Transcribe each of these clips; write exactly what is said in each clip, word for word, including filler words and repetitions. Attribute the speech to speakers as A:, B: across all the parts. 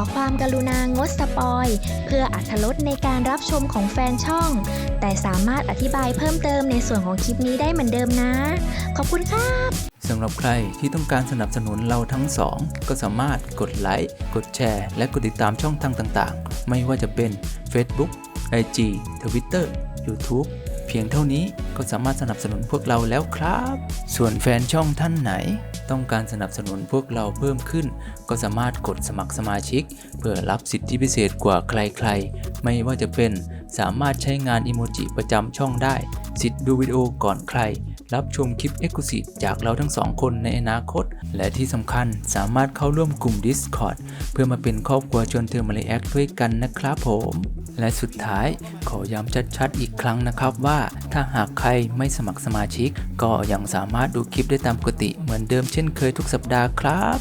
A: ความกรุณางดสปอยเพื่ออรรถรสในการรับชมของแฟนช่องแต่สามารถอธิบายเพิ่มเติมในส่วนของคลิปนี้ได้เหมือนเดิมนะขอบคุณครับ
B: สำหรับใครที่ต้องการสนับสนุนเราทั้งสองก็สามารถกดไลค์กดแชร์และกดติดตามช่องทางต่างๆไม่ว่าจะเป็น Facebook ไอ จี Twitter YouTube เพียงเท่านี้ก็สามารถสนับสนุนพวกเราแล้วครับส่วนแฟนช่องท่านไหนต้องการสนับสนุนพวกเราเพิ่มขึ้นก็สามารถกดสมัครสมาชิกเพื่อรับสิทธิพิเศษกว่าใครๆไม่ว่าจะเป็นสามารถใช้งานอิโมจิประจำช่องได้สิทธิ์ดูวิดีโอก่อนใครรับชมคลิป Exclusive จากเราทั้งสองคนในอนาคตและที่สำคัญสามารถเข้าร่วมกลุ่ม Discord เพื่อมาเป็นครอบครัวชวนเธอมาเลแอคด้วยกันนะครับผมและสุดท้ายขอย้ำชัดๆอีกครั้งนะครับว่าถ้าหากใครไม่สมัครสมาชิกก็ยังสามารถดูคลิปได้ตามปกติเหมือนเดิมเช่นเคยทุกสัปดาห์ครับ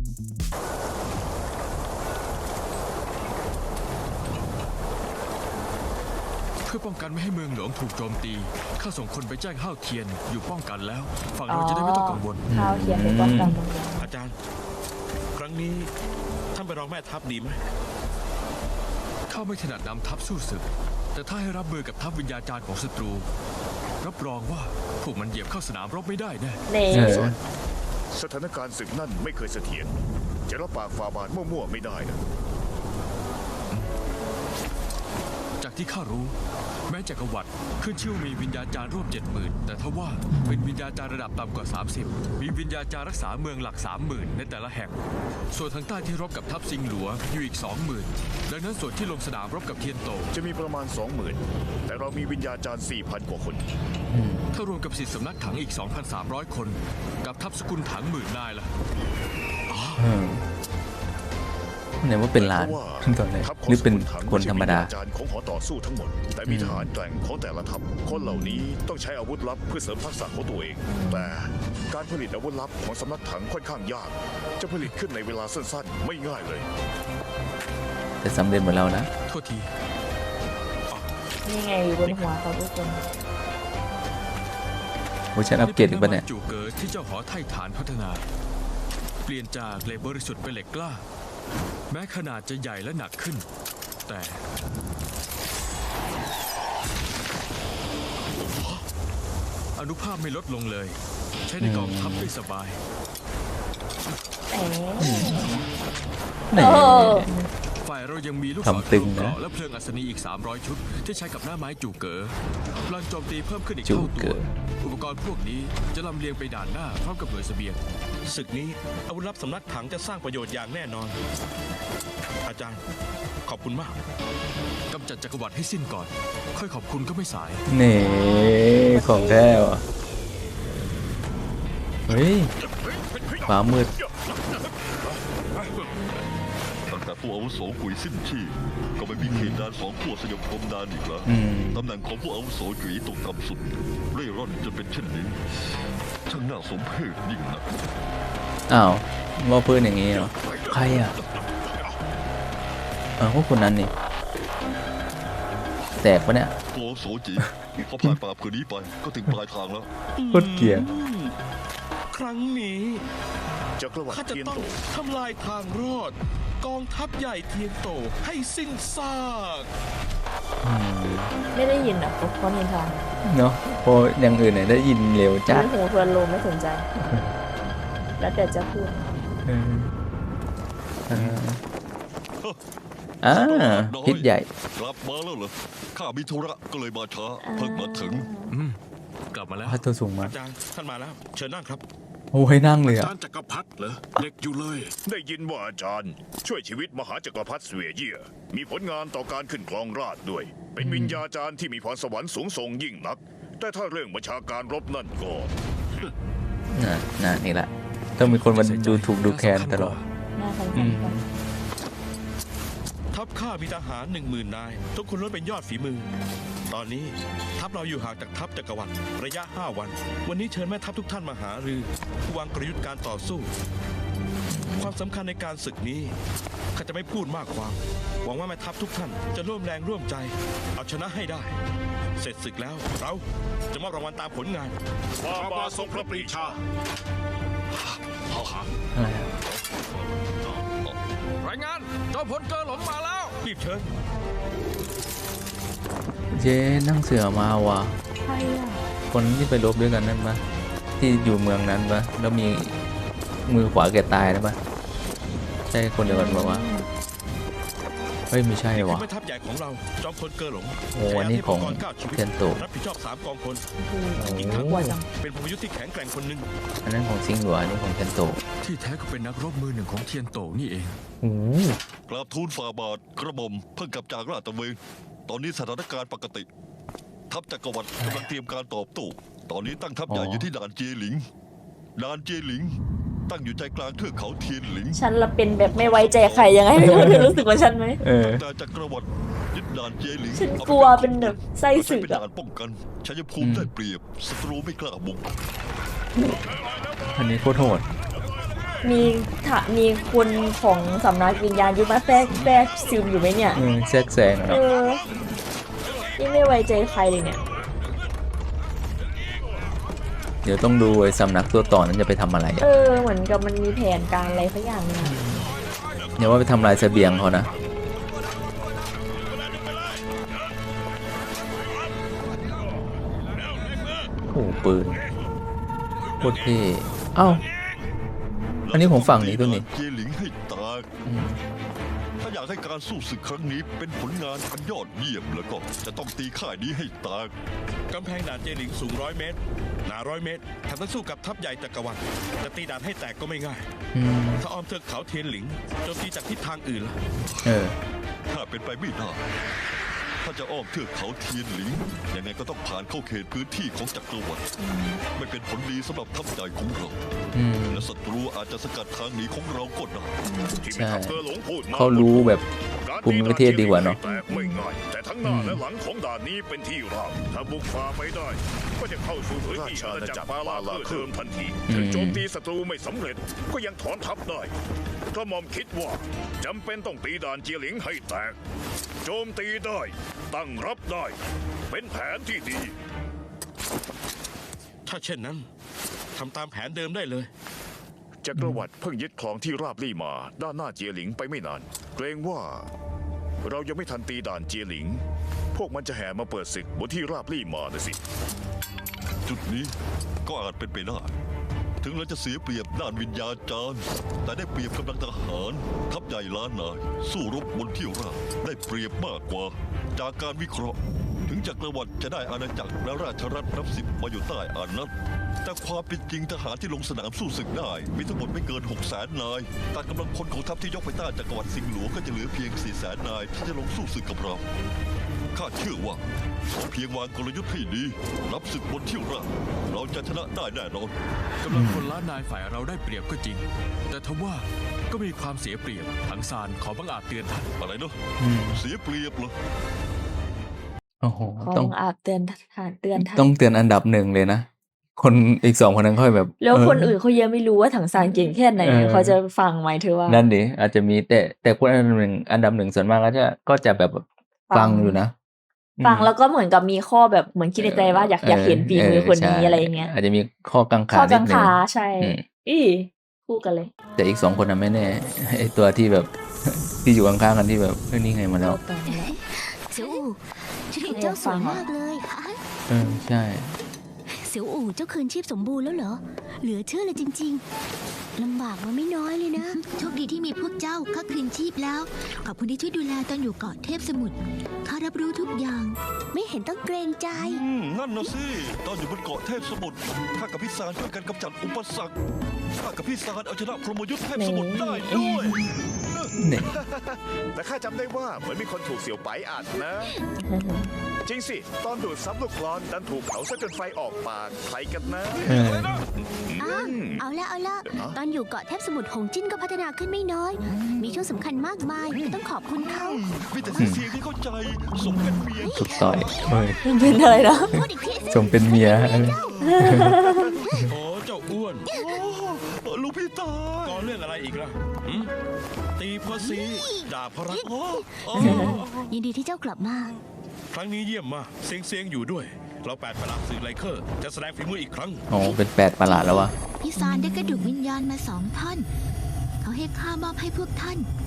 C: เพื่อป้องกันไม่ให้เมืองหลวงถูกโจมตีข้าส่งคนไปแจ้งห้าวเทียนอยู่ป้องกันแล้วฝั่งเราจะได้ไม่ต้องกังวล
D: ข้าวเทียนไปป้องกันตรงนี้
E: อาจารย์ครั้งนี้ท่านไปรองแม่ทัพดีไหม
C: ข้าไม่ถนัดนำทัพสู้ศึกแต่ถ้าให้รับมือกับทัพวิญญาจารย์ของศัตรูรับรองว่าพวกมันเหยียบเข้าสนามรบไม่ได้แน่
D: เน่
E: สถานการณ์ศึกนั่นไม่เคยเสถียรจะรับปากฝ่าบาทมั่วๆไม่ได้นะ
C: จากที่ข้ารู้แม้จักรวรรดิขึ้นชื่อมีวิญญาจารย์ร่วมเจ็ดหมื่นแต่ทว่าเป็นวิญญาจารย์ระดับต่ำกว่าสามสิบมีวิญญาจารย์รักษาเมืองหลักสามหมื่นในแต่ละแห่งส่วนทางใต้ที่รบกับทัพซิงหลัวอยู่อีกสองหมื่นดังนั้นส่วนที่ลงสนามรบกับเทียนโต
E: จะมีประมาณสองหมื่นแต่เรามีวิญญาจารย์สี่พันกว่าคน
C: ถ้ารวมกับสิทธิสำนักถังอีก สองพันสามร้อย คนกับทัพสกุลถังหมื่นนายล่ะ
B: เนี่ยว่าเป็นล้านตอนแรกหรือเป็นคนธรรมดา
E: จารย์ของหอต่อสู้ทั้งหมดแต่มีทหารแกร่งของแต่ละทัพคนเหล่านี้ต้องใช้อาวุธลับเพื่อเสริมทักษะของตัวเองแต่การผลิตอาวุธลับของสำนักถังค่อนข้างยากจะผลิตขึ้นในเวลาสั้นๆไม่ง่ายเลย
B: แต่สำเร็จเหมือนเรานะ
C: โทษที
D: นี่ไงอยู่บนหัวเขาทุกคน
B: โอ้ฉันอัปเกรดอีกปะเนี่ย
C: จูเกิดที่เจ้าหอไทฐานพัฒนาเปลี่ยนจากเหล็กบริสุทธิ์เป็นเหล็กกล้าแม้ขนาดจะใหญ่และหนักขึ้นแต่อนุภาพไม่ลดลงเลยใช้ในกองทัพได้สบายฝ่ายเรายังมีลูกศรเกราะและเพลิงอัศนีอีกสามร้อยชุดที่ใช้กับหน้าไม้จู่เก๋อพลังโจมตีเพิ่มขึ้นอีกเท่าตัวอุปกรณ์พวกนี้จะลำเลียงไปด่านหน้าพร้อมกับหน่วยเสบียง
E: ศึกนี้อาวุธลับสำนักถังจะสร้างประโยชน์อย่างแน่นอนอาจารย์ขอบคุณมาก
C: กำจัดจักรวรรดิให้สิ้นก่อนค่อยขอบคุณก็ไม่สาย
B: เน่ของแท้ว่ะเฮ้ยฟ้ามืด
F: ตั้งแต่ผู้อาวุโสกุยสิ้นชีพก็ไม่มีเขตแดนสองขั้วสยบคมนานอีกแล้วตำแหน่งของผู้อาวุโสกุยตกต่ำสุดเร่ร่อนจนเป็นเช่นนี้ช่างน่าสมเพชยิ่งนัก
B: อ้าวว่าเพื่อนอย่างงี้เหรอใครอ่ะอ้าวพวกคนนั้นนี่แตกปะเนี่ย
F: ผู้อาวุโสจีพอผ่านปราบคืนนี้ไปก็ถึงปลายทางแล้ว
B: โคตรเกลียด
E: ครั้งนี้ข้าจะต้องทำลายทางรอดกองทัพใหญ่เทียนโตให้สิ้นซาก
D: ไม่ได้ยินอ่ะเพราะนินทา
B: เนาะพออย่างอื่นเนี่ยได้ยินเร็วจัด
D: หูเพลินลมไม่สนใจแล้วแต่จะพูด
B: อ่าพิษใหญ่
F: กลับมาแล้วเหรอข้ามีธุระก็เลยมาช้าเพิ่งมาถึง
C: กลับมาแล้ว
B: พัดตัวสูงมา
E: อาจารย์ท่านมาแล้วเชิญนั่งครับ
B: โอ้ยนั่งเลยอ่ะ
E: อาจารย์จักรพรรดิเหรอเด็กอยู่เลยได้ยินว่าอาจารย์ช่วยชีวิตมหาจักรพรรดิเสวียเยี่ยมีผลงานต่อการขึ้นครองราชย์ด้วยเป็นวิญญาจารย์ที่มีพรสวรรค์สูงส่งยิ่งนักแต่ถ้าเรื่องบัญชาการรบนั่นก็
B: น่ะน่ะนี่แหละต้องมีคนมาดูถูกดูแคลนตลอด
E: ทัพข้ามีทหารหนึ่งหมื่นนายทุกคนล้วนเป็นยอดฝีมือตอนนี้ทัพเราอยู่ห่างจากทัพจักรวรรดิระยะห้าวันวันนี้เชิญแม่ทัพทุกท่านมาหารือวางกลยุทธ์การต่อสู้ความสำคัญในการศึกนี้ข้าจะไม่พูดมากความหวังว่าแม่ทัพทุกท่านจะร่วมแรงร่วมใจเอาชนะให้ได้เสร็จศึกแล้วเราจะมอบรางวัลตามผลงานฝ่าบาททรงพระปรีชา
B: อะไร
C: รายงานโจอมพลเกอหลงมาแล้ว
E: รีบเชิญ
B: เจ๊นั่งเสือมาว่ะ
D: ใครอ่ะ
B: คนที่ไปรบด้วยกันนั่นปะที่อยู่เมืองนั้นปะแล้วมีมือขวาแกตายนะปะใช่คนเดียวกันปะวะเฮ้ยไม่ใช่
E: นี่คือ
B: วะ
E: แม่ทัพใหญ่ของเราจอมพลเกอหลง
B: โอ้อันนี้ของ
E: ใช้าวุธปกรณ์เก้าชีวิต
B: เทียนโต
E: รับผิดชอบสามกองพล
D: คือ
E: อีกทั้ง
D: กลัวจัง
E: เป็นพลยุทธ์ที่แข็งแกร่งคนหนึ่ง
B: อันนั้นของซิงหลัวอันนี้ของเทียนโต
C: ที่แท้ก็เป็นนักรบมือหนึ่งของเทียนโตนี่เอง
B: โอ้
F: กราบทูลฝ่าบาทกระหม่อมเพิ่งกลับจากราชตระเวนตอนนี้สถานการณ์ปกติ ทัพจักรวรรดิกำลังเตรียมการตอบโต้ตอนนี้ตั้งทัพใหญ่อยู่ที่ด่านเจียหลิงด่านเจียหลิง ตั้งอยู่ใจกลางเทือกเขาเทียนหลิง
D: ฉันละเป็นแบบไม่ไว้ใจใครยังไงไม่รู้เธอรู้สึกว่าฉันไหม
B: เออ
F: แต่จักรวรรดิยึดด่านเจียหลิง
D: ฉันกลัวเป็นแบบไส้
F: เราใช้
D: ศึก
F: เป็น
D: อะ
F: ด่านป้องกันชัยภูมิได้เปรียบศัตรูไม่กล้าบุก
B: อันนี้โคตรโหด
D: มีถะมีคนของสำนักวิญญาณยุทธมาแทรกแทรกซึมอยู่ไหมเนี่ย
B: อืมแซกแซงอะ
D: เอ
B: เนาะ
D: อนี่ไม่ไว้ใจใครเลยเนี่ย
B: เดี๋ยวต้องดูไอ้สำนักตัวต่อนั้นจะไปทำอะไร
D: เอ
B: อะ
D: อเหมือนกับมันมีแผนการอะไรสักอย่างนึง
B: อย่าว่าไปทำลายเสบียงเขานะโอ้โหปืนโคตรเท่เอ้า อันนี้ของฝั่งนี้ตัวนี้
F: เจียหลิงให้ตาก
B: อืม
F: ถ้าอยากให้การสู้ศึกครั้งนี้เป็นผลงานอันยอดเยี่ยมแล้วก็จะต้องตีค่ายนี้ให้ตาก
E: กำแพงด่านเจหลิงสูงร้อยเมตรหนาร้อยเมตรทำต้องสู้กับทัพใหญ่จักรวรรดิจะตีด่านให้แตกก็ไม่ง่าย
B: อืม
E: ถ้าอ้อมเทือกเขาเทียนหลิงโจมตีจากทิศทางอื่นล่ะ
B: เออ
F: ถ้าเป็นไปไม่ได้ ถ้าจะอ้อมเทือกเขาเทียนหลิง ยังไงก็ต้องผ่านเข้าเขตพื้นที่ของจักรวรรดิไม่เป็นผลดีสำหรับทัพใหญ่ของเรา
B: อืม
F: และศัตรูอาจจะสกัดทางหนีของเราก็ได้
G: ที่แม่ทัพเกอหลงพูดมา
B: เขารู้แบบภูมิประเทศดีกว่าเนอะ
G: แตกไม่ง่ายแต่ทั้งหน้าและหลังของด่านนี้เป็นที่ราบถ้าบุกฝ่าไปได้ ก็จะเข้าสู่พื้นที่อาณาจักรปาลาเพื่อเดิมทันทีถึงโจมตีศัตรูไม่สำเร็จก็ยังถอนทัพได้กระหม่อมคิดว่าจำเป็นต้องตีด่านเจียหลิงให้แตก โจมตีได้ ตั้งรับได้ เป็นแผนที่ดี
E: ถ้าเช่นนั้นทำตามแผนเดิมได้เลย
G: จักรวรรดิเพิ่งยึดคลองที่ราบลี่มาด้านหน้าเจียหลิงไปไม่นาน เกรงว่า เรายังไม่ทันตีด่านเจียหลิง พวกมันจะแห่มาเปิดศึกบนที่ราบลี่มานะสิ
F: จุดนี้ก็อาจเป็นไปได้ ถึงเราจะเสียเปรียบด้านวิญญาจารย์แต่ได้เปรียบกำลังทหาร ทัพใหญ่ล้านนาย สู้รบบนที่ราบได้เปรียบมากกว่า จากการวิเคราะห์ ถึงจักรวรรดิจะได้อาณาจักรและราชรัฐนับสิบมาอยู่ใต้อานัตแต่ความเป็นจริงทหารที่ลงสนามสู้ศึกได้มีทั้งหมดไม่เกินหกแสนนายแต่กำลังพลของทัพที่ยกไปต้านจักรวรรดิสิงห์หลวงก็จะเหลือเพียงสี่แสนนายที่จะลงสู้ศึกกับเราข้าเชื่อว่าเพียงวางกลยุทธ์ให้ดีรับศึกบนที่ราบเราจะชนะได้แน่นอน
C: กำลังคนล้านนายฝ่ายเราได้เปรียบก็จริง แต่ทว่าก็มีความเสียเปรียบถังซานขอบังอาจเตือนท่าน
F: อะไรเนาะ
B: อืม
F: เสียเปรียบเหรอ
B: โอ้โห
D: ขอ
B: ต้อง
D: งอาบเตือนทานเตือนท่าน
B: ต้องเตือนอันดับหนึ่งเลยนะ คนอีกสองคนนั้นค่อยแบบ
D: แล้วคน
B: เ
D: อื่นเขายังไม่รู้ว่าถังซานเก่งแค่ไหน
B: เออ
D: เขาจะฟังไหมเธอว่า
B: นั่นดิอาจจะมีแต่แต่คนอันดับหนึ่งอันดับหนึ่งส่วนมากก็จะก็จะแบบ
D: ฟั
B: ฟัง
D: ง
B: อยู่นะ
D: ฟัง
B: อืม
D: แล้วก็เหมือนกับมีข้อแบบเหมือนคิดในใจว่าอยากอยากเห็นฝีมือคนนี้
B: ใช่
D: อะไรอย่างเงี้ย
B: อาจจะมีข้อกังขา
D: ข้อ
B: นิ
D: กั
B: ด
D: ง
B: นึง
D: ขาใช่
B: อืม
D: อีคู่กันเลย
B: แต่อีกสองคนนั้นไม่แน่ ไอตัวที่แบบ ที่อยู่ข้างๆกันที่แบบเฮ้ยนี่ไงมาแล้ว
D: ต่อไปแล้ว
H: เสี่ยวอู่ชุดของเจ้าสวยมากเลยอ่ะ
B: เออใช่
H: เสี่ยวอู่เจ้าคืนชีพสมบูรณ์แล้วเหรอ เหลือเชื่อเลยจริงๆลำบากมาไม่น้อยเลยนะ โชคดีที่มีพวกเจ้าข้าคืนชีพแล้ว ขอบคุณที่ช่วยดูแลตอนอยู่เกาะเทพสมุทรข้ารับรู้ทุกอย่าง ไม่เห็นต้องเกรงใจ
F: อืมนั่นนะสิ ตอนอยู่บนเกาะเทพสมุทรข้ากับพี่ซานช่วยกันกำจัดอุปสรรคข้ากับพี่ซานเอาชนะพรหมยุทธ์เทพสมุทรได้ด้วย
B: เนี่ย
G: แต่ข้าจำได้ว่าเหมือนมีคนถูกเสี่ยวไปอัดนะ จริงสิ ตอนดูดซับลูกกลอนดันถูกเผาซะจนไฟออกปากใครกันนะ
B: เออ
H: อ้าวเอาละเอาละตอนอยู่เกาะเทพสมุทรหงจิ้นก็พัฒนาขึ้นไม่น้อย มีช่วงสำคัญมากมายก็ต้องขอบคุณเขา
F: มีแต่เสียงที่เข้าใจสมเป็นเมีย
B: ถูกต่อยเฮ้ย
D: เป็นอะไรนะ
H: พูดอีกทีสิ
B: สมเป็นเมีย
E: โอ้เจ้าอ้วน
F: เออลูกพี่ตาย
E: ก่อเรื่องอะไรอีกล่ะหืมตีเพราะซีด่าเพราะรัก
F: อ๋ออ๋อ
H: ยินดีที่เจ้ากลับมา
E: ครั้งนี้เยี่ยมมากเซียงเซียงอยู่ด้วย เราแปดประหลาดสื่อไลเคอร์จะแสดงฝีมืออีกครั้ง
B: อ๋อเป็นแปดประหลาดแล้ววะ
H: พี่ซานได้กระดูกวิญญาณมาสองท่อน เขาให้ข้ามอบให้พวกท่าน ไอ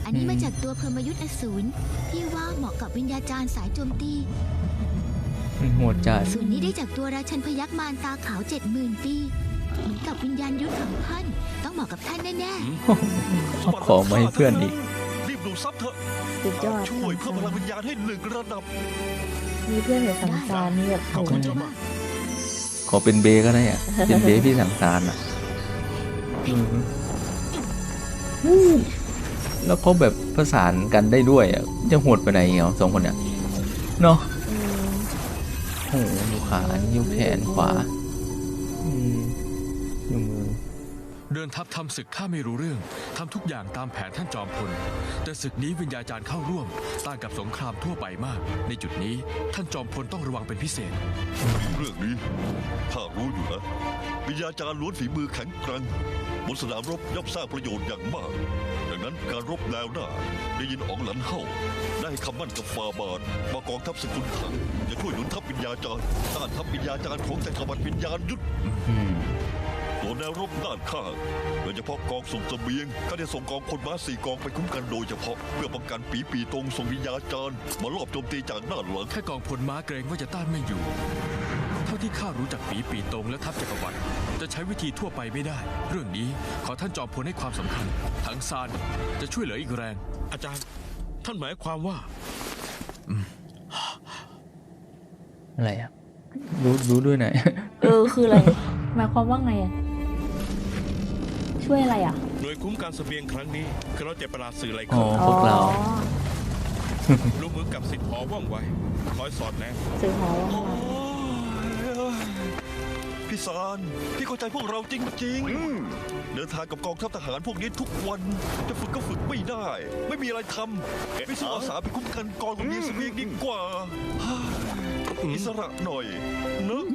H: อันนี้มาจากตัวพรหมยุทธ์อสูรที่ว่าเหมาะกับวิญญาจารย์สายโจมตี
B: โหดจัด
H: ส่วนนี้ได้จากตัวราชันพยัคฆ์มารตาขาวเจ็ดหมื่นปีเหมือนกับวิญญาณยุทธของท่านต้องเหมาะกับท่านแน่
B: ขอมาให้เพื่อนอีก
F: รีบดูซับเถอะ
D: สุดยอด
F: ช่วยเพิ่มพลังวิญญาณให้หนึ่งระดับ
D: มีเพื่อนเห็นสังสารนี่แบบ
E: ขอบคุณเจ้ามาก
B: ขอเป็นเบก็ได้อ่ะ เป็นเบพี่สังสารอ่ะอืมแล้วเขาแบบประสานกันได้ด้วยอ่ะจะโหดไปไหนเหรอสองคนเนี่ยเนาะ
D: อืม
B: โอ้โหอยู่ขาอยู่แขนขวาอืมอยู่มือ
C: เดินทัพทำศึกข้าไม่รู้เรื่องทำทุกอย่างตามแผนท่านจอมพลแต่ศึกนี้วิญญาจารย์เข้าร่วมต่างกับสงครามทั่วไปมาก ในจุดนี้ท่านจอมพลต้องระวังเป็นพิเศษ
F: เรื่องนี้ข้ารู้อยู่นะวิญญาจารย์ล้วนฝีมือแข็งแกร่งบนสนามรบย่อมสร้างประโยชน์อย่างมาก ดังนั้นการรบแนวหน้าได้ยินอ๋องหลันเฮ่าได้คำมั่นกับฟาบาทมากองทัพสกุลถังจะช่วยหนุนทัพวิญญาจารย์ต้านทัพวิญญาจารย์ของจักรวรรดิวิญญาณยุทธ
B: อืม
F: ตัวแนวรบด้านข้างโดยเฉพาะกองส่งเสบียงก็ได้ส่งกองพลม้าสี่กองไปคุ้มกันโดยเฉพาะเพื่อป้องกันปีปีตรงส่งวิญญาจารย์มาลอบโจมตีจากด้านหลัง
C: แค่กองพลม้าเกรงว่าจะต้านไม่อยู่ เท่าที่ข้ารู้จักปีปีตรงและทัพจักรวรรดิจะใช้วิธีทั่วไปไม่ได้ เรื่องนี้ขอท่านจอมพลให้ความสำคัญทั้งซานจะช่วยเหลืออีกแรง
E: อาจารย์ ท่านหมายความว่า
B: อะไรอ่ะ รู้รู้ด้วยไหนอย
D: เออคืออะไรหมายความว่าไงอะช่วยอะไรอ่ะ
E: หน่วยคุ้มการเสบียงครั้งนี้คือเราเจ็บประหลาดสื่ออะไร
B: อ๋อ
E: ขึ้น
B: พวกเรา
D: อ๋อ
E: ลูกมือกับสิทธิ์หอว่องไวคอยสอดแนม
D: สื่อหอว่าไง
F: พี่ซานพี่เข้าใจพวกเราจริงๆเดินทางกับกองทัพทหารพวกนี้ทุกวันจะฝึกก็ฝึกไม่ได้ ไม่มีอะไรทำไม่สู้อาสาไปคุ้มกันกองตรงนี้เสบียงดีกว่าอิสระหน่อยเนอะ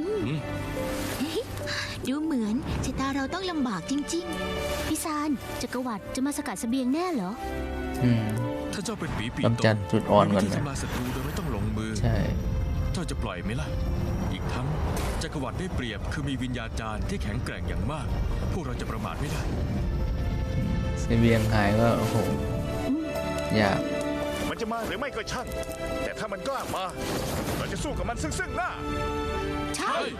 H: ๆ ดูเหมือนชะตาเราต้องลำบากจริงๆพี่ซานจักรวรรดิจะมาสกัดเสบียงแน่เหรอ
B: อืม
C: ถ้าเจ้าเป็นปีปี
B: กำจัดจุดอ่อนก่อน
C: มีวิธี
B: ไหม
C: ทำลายศัตรูโดยไม่ต้องลงมือ
B: ใช่
C: เจ้าจะปล่อยไหมล่ะ อีกทั้งจักรวรรดิได้เปรียบคือมีวิญญาจารย์ที่แข็งแกร่งอย่างมาก พวกเราจะประมาทไม่ได้
B: เซเบียงหายก็โอ้โหยาก
G: มันจะมาหรือไม่ก็ช่าง แต่ถ้ามันกล้ามา เราจะสู้กับมันซึ่งซึ่งหน้า
H: ใช่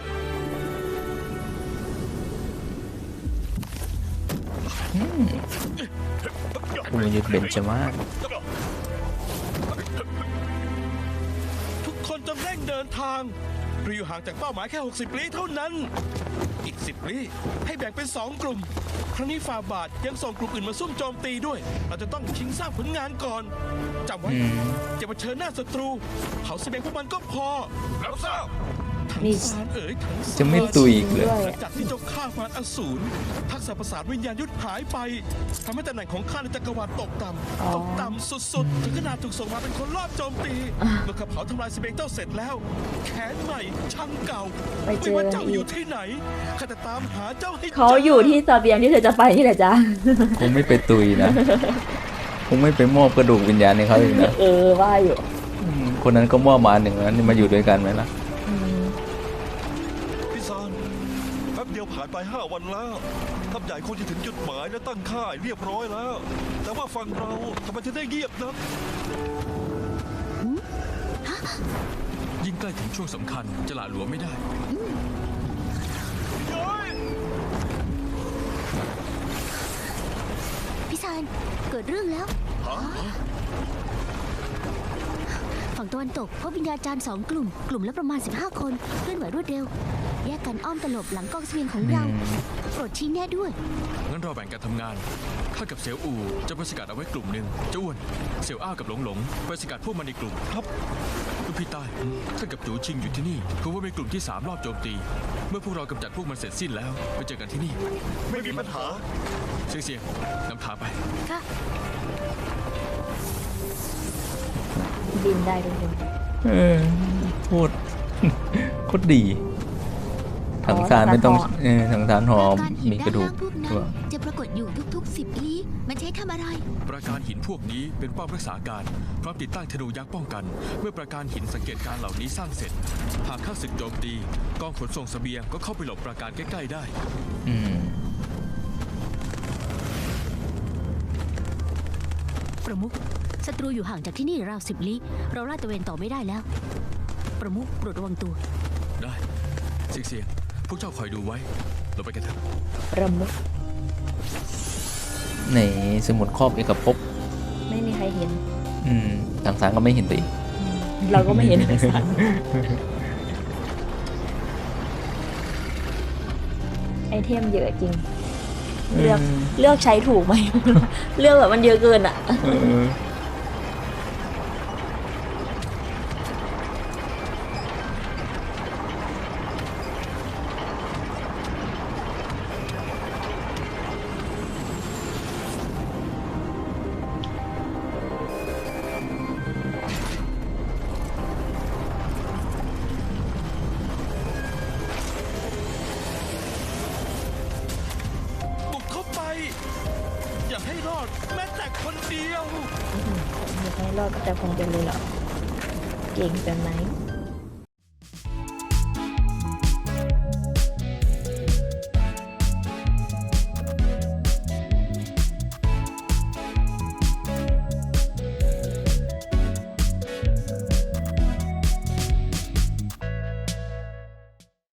B: คุณยุทธเบญจมาศ
E: ทุกคนจงเร่งเดินทางเราอยู่ห่างจากเป้าหมายแค่ หกสิบ ลี้เท่านั้น อีก สิบ ลี้ให้แบ่งเป็น สอง กลุ่ม ครั้งนี้ฟาบาทยังส่งกลุ่มอื่นมาซุ่มโจมตีด้วย เราจะต้องชิงสร้างผลงานก่อนจำไว้
B: อืม
E: อย่ามาเชิญหน้าศัตรูเผาเสบียงพวกมันก็พอ
G: รับทราบ
E: ทั้ง
D: นี่
E: สารเอ๋ยทั้งสาร
B: จะไม่ตุยอีกเลย
D: ด้วย
E: หลังจากที่เจ้าฆ่ามารอสูรทักษะประสาทวิญญาณยุทธหายไปทำให้ตำแหน่งของข้าในจักรวรรดิตกต่
D: อ๋อ
E: ำตกต่ำสุดๆ ถึงขนาดถูกส่งมาเป็นคนรอบโจมตี เมื่อข้าเผาทำลายเสบียงเจ้าเสร็จแล้ว แขนใหม่ช่างเก่า
D: ไปเจ
E: ไม่
D: อ
E: ว่า
D: กัน
E: เจ้า
D: อี
E: อก ยู่ที่ไหนข้าจะตามหาเจ้าให้จ
D: เขาอยู่ที่เสบียงที่เธอจะไปนี่แหละจ้า
B: คงไม่ไปตุยนะ คงไม่ไปมอบกระดูกวิญญาณให้เขาอีกนะ
D: เออว่าอยู่
B: อืมคนนั้นก็มอบมาหนึ่งแล้วนี่มาอยู่ด้วยกันไหมล่ะ
D: อืม
F: พี่ซานแป๊บเดียวผ่านไปห้าวันแล้วทัพใหญ่คงจะถึงจุดหมายและตั้งค่ายเรียบร้อยแล้ว แต่ว่าฝั่งเราทำไมถึงได้เงียบนัก
C: ยิ่งใกล้ถึงช่วงสำคัญจะหละหลวมไม่ได้
H: พี่ซานเกิดเรื่องแล้ว ฝั่งตะวันตกพบวิญญาจารย์สองกลุ่ม กลุ่มละประมาณ สิบห้า คนเคลื่อนไหวรวดเร็ว แยกกันอ้อมตลบหลังกองเสบียงของเรา
B: อืม
H: โปรดชี้แน่ด้วย
C: งั้นเราแบ่งกันทำงาน ข้ากับเสี่ยวอู่จะไปสกัดเอาไว้กลุ่มหนึ่งเจ้าอ้วน เสี่ยวอ้ากับหลงหลงไปสกัดพวกมันในกลุ่ม ครับลูกพี่ใต้ท่านกับจูชิงอยู่ที่นี่คือว่าเป็นกลุ่มที่สามรอบโจมตี เมื่อพวกเรากำจัดพวกมันเสร็จสิ้นแล้วไปเจอกันที่นี่
G: ไม่มีปัญหา
C: เสียงเสียงนำทางไป
H: ค่ะ
D: บินได้ทุกคน
B: เออโคตร โคตรดี ถังสารไม่ต้องเออถังสารหอ
H: การหิน
B: มีก
H: ด้า
B: ระ
H: น
B: ดูก
H: ล่างพวกนั้น
B: ตัว
H: จะปรากฏอยู่ทุกๆ สิบ ลี้ มันใช้ทำอะไร
C: ประการหินพวกนี้เป็นป้อมรักษาการพร้อมติดตั้งธนูยักษ์ป้องกัน เมื่อประการหินสังเกตการเหล่านี้สร้างเสร็จ หากข้าศึกโจมตีกองขนส่งเสบียงก็เข้าไปหลบประการใกล้ๆได้
B: อืม
H: ประมุขศัตรูอยู่ห่างจากที่นี่ราวสิบลี้เราลาดตระเวนต่อไม่ได้แล้ว ประมุขโปรดระวังตัว
C: ได้เสียงเสียงพวกเจ้าคอยดูไว้เราไปกันเถอะ
D: ประมุข
B: ในสมุดครอบเอกภพ
D: ไม่มีใครเห็น
B: อืมทางสารก็ไม่เห็นตัวเอง
D: เราก็ไม่เห็นทางสารไอเทมเยอะจริง เลือกเลือกใช้ถูกไหม เลือกแบบมันเยอะเกินอ่ะ
E: บุกเข้าไป อย่าให้รอดแม้แต่คนเดียว
D: อยากให้รอดแต่คงจะเลยเหรอ เก่งเกินไหม